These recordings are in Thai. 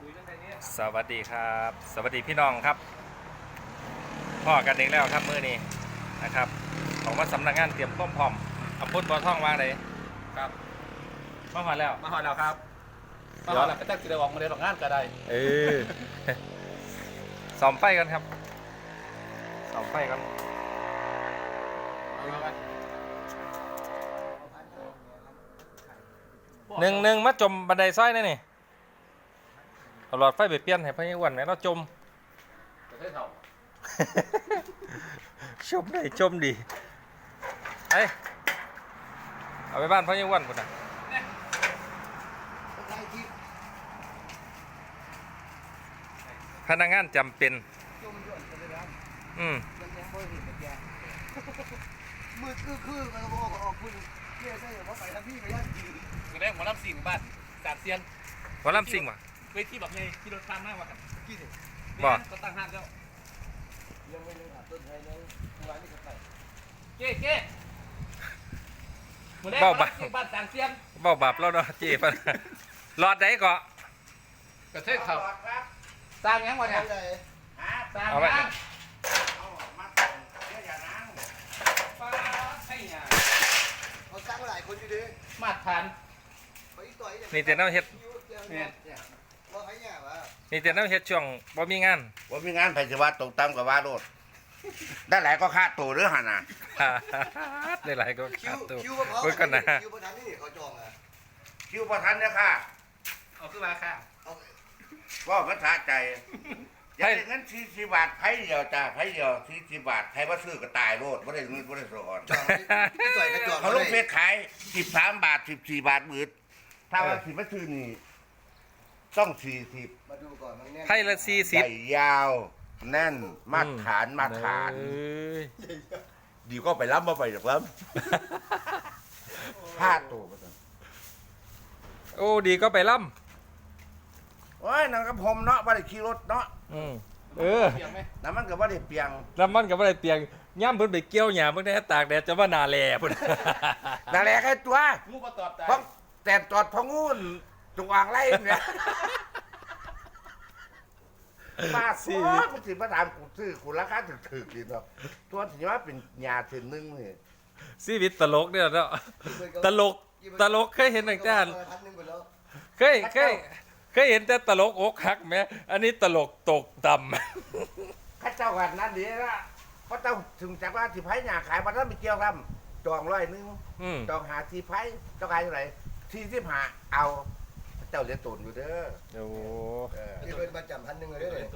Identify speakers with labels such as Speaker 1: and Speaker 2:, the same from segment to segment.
Speaker 1: สวัสดีครับสวัสดีพี่น้องครับพ่อกันเองแล้วครับมื้อนี้นะครับของว่าสำนักงานเตรียมพร้อมอำเภอบ่อทองวางเลย
Speaker 2: ครับ
Speaker 1: มาหอดแล้ว
Speaker 2: มาหอดแล้วครับมาหอดแล้วก็จะกินได้ออกมาได้ออกงานก็ได้
Speaker 1: ส่อมไฟกันครับส่อมไฟกันหนึ่งมาจมบันไดซ้อยนี่นี่เอาหลอดไฟไปเปลี่ยนให้พญาวันไหมเราจม
Speaker 2: ประเทศเท่า
Speaker 1: ชมได้ชมดีเอ้ยเอาไปบ้านพญาวันก่อนนะพนักงานจำเป็น
Speaker 3: มืดคือมันก็บอกออกคุณเรียกได้ว่าไปทางพี่ก็ยากจริง
Speaker 2: ก็ได้หมอลำสิ่งบ้านสามเซียน
Speaker 1: หัวลำซิ่งวะ
Speaker 2: เวทีแบบไงที่รถตามมากกว่ากันกี่สิ
Speaker 1: บ่
Speaker 2: ก็ตั้งห้างแล้ว
Speaker 3: ยังไม่ได้ต้นไทรเลยตัวนี้ก็ไป
Speaker 2: เก้เบ้าบับบ้านสามเซียน
Speaker 1: เบ้าบับแล้วเนาะจีบหลอดไหนก็
Speaker 2: ประเทศเท่าสร้างยังวะเนี่ยสร้างยัง
Speaker 3: เขาสร้างหลายคนอยู่ดิ
Speaker 2: มาตรฐาน
Speaker 1: นี่แต่น้ำเฮ็ดนี่แต่น้ำเฮ็ดช่วงบ่มีงาน
Speaker 4: ไผสิว่าตกต่ำกับว่าโลดได้หลายก็ค่าตัวหรือหั่นน่ะ
Speaker 1: ได้หลายก็
Speaker 3: ค่าตัว
Speaker 1: เพิ่นก็นะ
Speaker 3: คิวประธานนี่เขาจองอ่ะ
Speaker 4: คิวบ่ทันเนี่ยค่ะ
Speaker 2: เอาคือว่าค่ะ
Speaker 4: ว่ามันสะใจอยากได้เงิน40 บาทไผเดียวจ้าไผเดียว40 บาทใครบ่ซื้อก็ตายโลดบ่ได้เงินบ่ได้สอนเขาลงเฟซขาย13 บาท14 บาทมืดถ้าว่าสิมาซื้อนี่ต้อง40
Speaker 3: มาดูก่อนมันแน่น
Speaker 1: ไพ่ละ40
Speaker 4: ใหญ่ยาวแน่นมาตรฐานดีก็ไปล้ำมาไปจากล้ำ5 ตัวมา
Speaker 1: โอ้ดีก็ไปล่
Speaker 4: ำโอ้ยนั่งกับผมเนาะบ่ได้ขี่รถเนาะน้ำมันก็บ่ได้เปียง
Speaker 1: น้ำมันก็บ่ได้เปียงย่ำเพิ่นไปเกี่ยวหญ้าเพิ่นได้ตากแดดจะว่านาแลพุ่น
Speaker 4: นาแลแค่ตัว
Speaker 2: งูบ่ตอด
Speaker 4: เพราะแต่ตอดพงูนจงอางไล่เนี่ยมาสิมันสิมาถามกูซื้อกูราคาถึกๆดีเนาะตัวสิว่าเป็นหญ้าเส้นนึงนี่
Speaker 1: ชีวิตตลกเนี่ยเนาะตลกเคยเห็นตั้งแต่เคยเห็นแต่ตลกอกหักไหมอันนี้ตลกตกต่ำ
Speaker 4: ข้าเจ้ากันนั่นดีละเพราะเจ้าถึงจากว่าที่ไผ่หญ้าขายวันนั้นไม่เกี่ยวกันจอง100จองหาที่ไผ่เจ้าขายเท่าไหร่45เอาเจ้าเรียนตุนอยู่เด้อ
Speaker 1: โอ้
Speaker 3: ที่เป็นประจำ1,000เลย
Speaker 4: ได้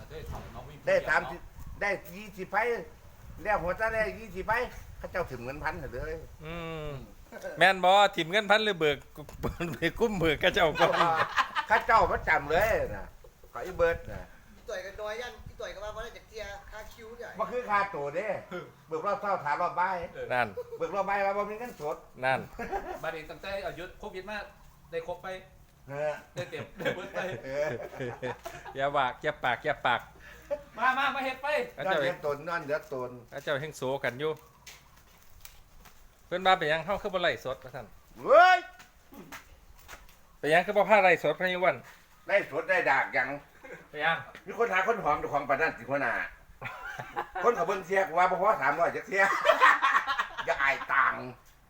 Speaker 4: 30ได้20ไผ่แล้วหัวตาได้20ไผ่ข้าเจ้าถึงเงิน1,000เลย
Speaker 1: แม่นบ่ถิ่มเงิน1,000เลยเบิกกุ้มเบิกข้าเจ้าก็
Speaker 4: ข้าเจ้าประจำเลยนะขออีเบิร์ดนะ
Speaker 3: ต่อยกันน้อยยันที่ต่อยกันมาเพราะได้จากเทียค่าคิวใหญ่
Speaker 4: มันคือค่าตัวเด้เบิกรอบเท่าถามรอบใบ
Speaker 1: นั่น
Speaker 4: เบิกรอบใบว่าบ่มีเงินสด
Speaker 1: นั่น
Speaker 2: บัดนี้ตั้งแต่อายุโควิดมาได้ครบไปได้เต็มได้เบิดไป
Speaker 1: อย่าปาก
Speaker 2: มาเฮ็ดไป
Speaker 4: เจ้าเฮ็ดตนนั่นเดี๋ยวตน
Speaker 1: เจ้าเฮงโซกันอยู่เพิ่นมาไปยังเฮาคือบ่ไล่สดว่าซั่น
Speaker 4: เฮ้ย
Speaker 1: ไปยังคือบ่พาไล่สดพะยวัน
Speaker 4: ไล่สดได้ดากยัง
Speaker 1: ไปยัง
Speaker 4: มีคนหาคนหอมเจ้าของปานนั้นสิหัวหน้าคนเขาเบิ่งเสียกว่าบ่พอ300จักเสียอย่าอายตัง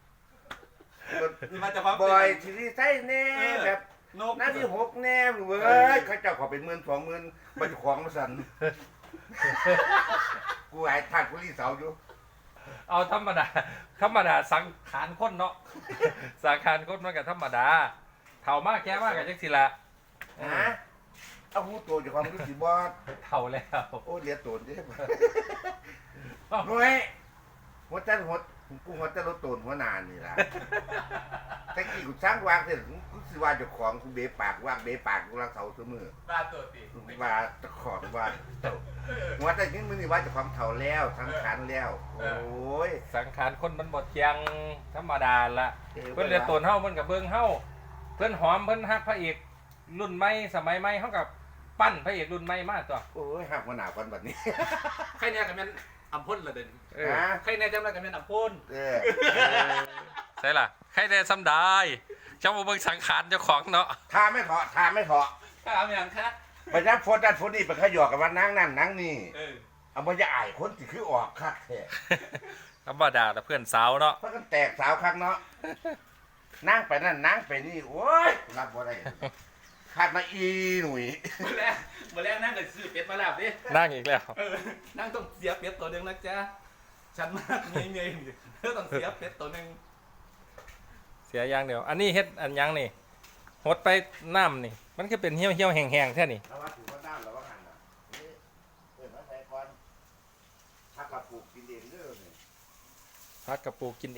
Speaker 2: มาจะพา
Speaker 4: บ่อยสิใส่แน่แบบนั่นที่6แน่เว้ยเขาเจ้าขอเป็น10,000 20,000บ่เจ้าของมาสั่นกูอายทาดกูรีเสาอยู่
Speaker 1: เอาธรรมดาสังขารคนเนาะสังขารคนมันก็ธรรมดาเฒ่ามากแก่มากก็จังซี่ล่ะ
Speaker 4: เอาหูโตจากความรู้สึกบ่
Speaker 1: เฒ่าแล้ว
Speaker 4: โอ้เลียโตนเด้หน่วยหัวใจกูหัวใจรถโตนหัวนานนี่ล่ะแต่กี้กูสร้างวางเสร็จกูสิว่าเจ้าของกูเบะปากวางเบะปากกูรักเสาเสมอ
Speaker 2: ว่าตัวติ
Speaker 4: ว่าตะขอว่าหัวใจนี่มึงนี่ว่าเจ้าของเฒ่าแล้วสังขารแล้วโอ้ย
Speaker 1: สังขารคนมันบ่เที่ยงธรรมดาละเพิ่นเลียโตนเฮามันก็เบิ่งเฮาเพิ่นหอมเพิ่นฮักพระเอกรุ่นใหม่สมัยใหม่เฮากับปั้นพระเอกรุ่นใหม่มาตัว
Speaker 4: โอ้ยหักหัวหน้าคนแบบนี้
Speaker 2: ใครเนี่ยก็แม่นอัมพลละเด่นใครเนี่ยจำได้ก็แม่นอัมพล
Speaker 1: ใช่ล่ะใครเนี่ยซ้ำได้เจ้าบ่เบิ่งสังขารเจ้าของเนาะ
Speaker 4: ทาไม่เถาะ
Speaker 2: ถามอย่างคะ
Speaker 4: ไปนับโฟนนั่นโฟนนี่ไปขยอกกับว่านั่งนั่นนั่งนี่
Speaker 2: เออ
Speaker 4: เอามาจะอายคนที่คือออกคักแท้
Speaker 1: ธรรมดาแต่เพื่อนสาวเนาะ
Speaker 4: เพราะกันแตกสาวคักเนาะนั่งไปนั่นนั่งไปนี่โอ้ยรับบ่ได้คักมาอีหนุ่ย
Speaker 2: เมื่อแรกนั่งกับซื้อเป็ดมาแล้วดิ
Speaker 1: นั่งอีกแล้ว
Speaker 2: นั่งต้องเสียเป็ดตัวหนึ่งนะจ๊ะฉันมากเงยๆเธอต้องเสียเป็ดตัวหนึ่ง
Speaker 1: เสียอย่างเดียว อันนี้เฮ็ดอันยังนี่หดไปน้ำนี่ มันก็เป็นเหี่ยวเหี่ยวแห้งๆแท่นี่
Speaker 4: แล้วว่าถือว่าน้ำแล้วว่าหันอ่ะนี่เปิดมาใส่ก่อนถ้ากับปลูกกินเองเด้อนี่
Speaker 1: พักกระปูกินเอง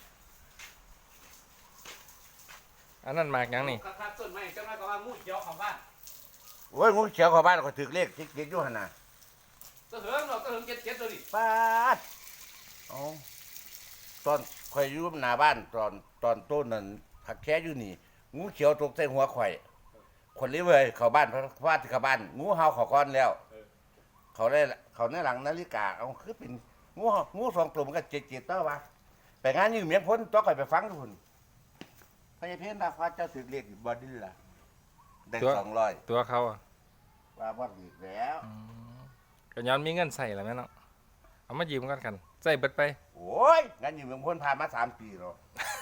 Speaker 1: อันนั้นหมากยังนี่
Speaker 2: ครับต้นไม้เจ้าแม่ก็ว่างูเขียวของบ้าน
Speaker 4: โอ้ยงูเขียวเข้าบ้านก็ถือเลขคิดอยู่หั่นน่ะ
Speaker 2: ตัวเหิงเราตัวเหิงเจ็ดตัวดิ
Speaker 4: ปาดเอาตอนข่อยอยู่หน้าบ้านตอนต้นนั้นผักแค่อยู่นี่งูเขียวตกใส่หัวข่อยคนนี้เว้ยเข้าบ้านเพราะว่าที่เข้าบ้านงูเห่าเขาก้อนแล้ว เขาได้เขาในหลังนาฬิกาเอาคือเป็นงูสองตัวมันก็เจ็ดเต้าวะไปงานยืมเมียงพ้นต้องข่อยไปฟังทุกคนพญาเพชรดาฟ้าเจ้าถือเลขบอดี้ล่ะได้200
Speaker 1: ตัวเขาอะ
Speaker 4: ว่าบ่อีกแล้ว
Speaker 1: ก็ย้อนมีเงินใส่แล้วแม่เนาะ เอามายืมกันใส่เบิดไป
Speaker 4: โอ้ยงานยืมเมียงพ้นผ่านมา3 ปีแล้ว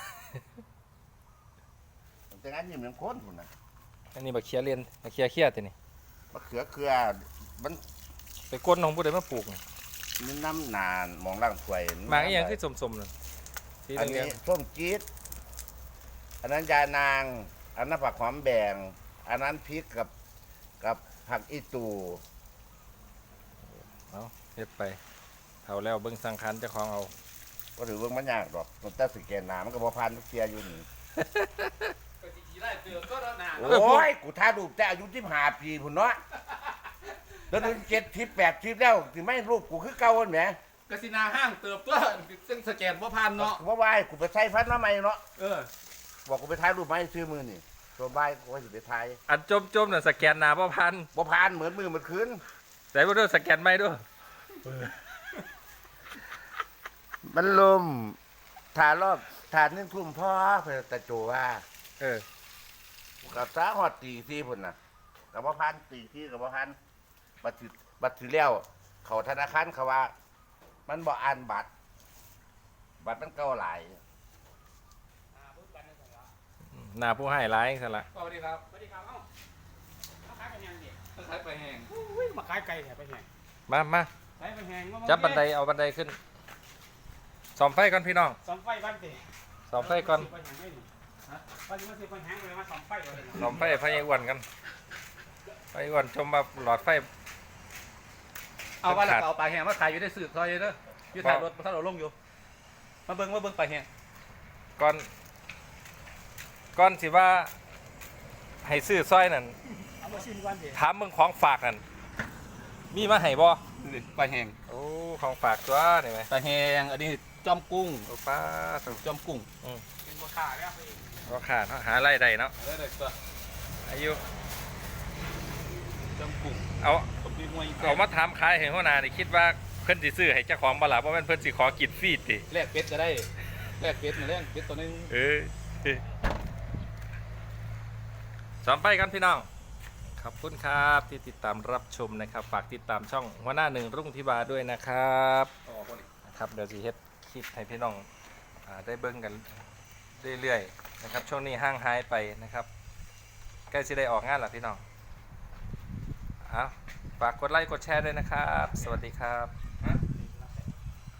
Speaker 4: แต่งานยืมเมียงพ้นพุ่นน่ะ
Speaker 1: อันนี้บักเคียเรียนบักเคียเคียตัวนี้
Speaker 4: มะเขือเครือมัน
Speaker 1: ไปก้นของผู้ใดมาปลูกนี่
Speaker 4: มีน้ำนานมองร่างถวย
Speaker 1: หมากอีหยังคือสมๆนั่นสี
Speaker 4: อัน
Speaker 1: เหลื
Speaker 4: นี้
Speaker 1: อง
Speaker 4: ส้มจี๊ดอันนั้นยานาง อันนั้นผักหอมแบ่ง อันนั้นพริกกับผักอีตู
Speaker 1: ๆเอาเฮ็ดไปเท่าแล้วเบิ่งสังขารเจ้าของเอา
Speaker 4: ก็ถือว่ามันยากดอกมันแต่สแกนหนามันก็บ่ผ่านเสียอยู่นี่
Speaker 2: ก็จีได้เตือนก็แล้วนา
Speaker 4: โอ้ยกูท้ารูปแต่อายุ15 ปีพุ่นเนาะแล้วถึง70 80แล้วสิไม่รูปกูคือเก่าหั่นแหม
Speaker 2: กสินาห้างเติบตัวซึ่งสแกนบ่พันเนาะ
Speaker 4: ว่าว่าให้กูไปใช้พัดมาใหม่เนาะ
Speaker 2: เออ
Speaker 4: บอกกูไปถ่ายรูปมาให้ซื้อมือนี่ตัวบ่ายกูก็สิไปถ่าย
Speaker 1: อันจมๆน่ะสแกนหน้าบ่พัน
Speaker 4: บ่ผ่านเหมือนมือเหมือนคืน
Speaker 1: ใส่บ่ด้วยสแกนไม่ด้วย
Speaker 4: มันลมถ่ายรอบถ่าย1 ทุ่มพ่อเพิ่นตะโจว่า
Speaker 1: เออ
Speaker 4: กับสาหอดตีที่พุ่นน่ะกับบ่พันตีที่กับบ่พันบัตรถือแล้วเขาธนาคารเขาว่า มันบ่อ่านบัตรมันเก่าหลาย
Speaker 1: หน้าผู้ให้ร้ายซะละ
Speaker 2: สวัสดีครับสวัสดีครับเอ้ามาขายไปแหงดิมาขายไปแหงมาขายไก่แหงไปแหง
Speaker 1: มา
Speaker 2: ขายไปแหง
Speaker 1: จับบันไดเอาบันไดขึ้นส่อมไฟก่อนพี่น้อง
Speaker 2: สองไฟบ้านเตะ
Speaker 1: ส่อมไฟก่อน
Speaker 2: ไปแหงไม่ดิฮะว่าจะมาซื้อไปแหงเลยมาสองไฟเลย
Speaker 1: ส่อมไฟไฟอ้วนกันไฟอ้วนจมมาหลอดไฟ
Speaker 2: เอาว่าแล้วก็เอาปลาแหงมาขายอยู่ในสื่อซอยเด้ออยู่ท้ายรถถ้าเราลงอยู่มาเบิ่งปลาแหง
Speaker 1: ก่อนสิว่าให้ซื้อซอยนั่น
Speaker 2: เอามาชิมกันเถอะ
Speaker 1: ถามมึงของฝากนั่นมีมาให้บ่
Speaker 2: ปลาแหง
Speaker 1: โอ้ของฝากตัวนี่ไหม
Speaker 2: ปลาแหงอันนี้จอมกุ้ง
Speaker 1: โอ้ป้าต้อง
Speaker 2: จอมกุ้งเป็นบัวขาแล้ว
Speaker 1: ก็ขาดเนาะหารายได้เนาะ
Speaker 2: ได้เลยตัว
Speaker 1: อายุ
Speaker 2: จอมกุ้ง
Speaker 1: เอา
Speaker 2: ผมมีมวย
Speaker 1: เอามาถามขายให้หัวหน้านี่คิดว่าเพิ่นสิซื้อให้เจ้าของบ่ล่ะเพราะมันเพิ่นสิขอกินฟรีติ
Speaker 2: แลกเป็ดก็ได้แลกเป็ดมาแลกเป็ดตัวนึง
Speaker 1: สอมไปกันพี่น้องขอบคุณครับที่ติดตามรับชมนะครับฝากติดตามช่องหัวหน้าหนึ่งรุ่งธิบาด้วยนะครับนะครับเดี๋ยวสิเฮ็ดคลิปให้พี่น้องได้เบิ่งกันเรื่อยๆนะครับช่วงนี้ห่างหายไปนะครับใกล้สิได้ออกงานแล้วพี่น้องฝากกดไลค์กดแชร์ด้วยนะครับ สวัสดีครับ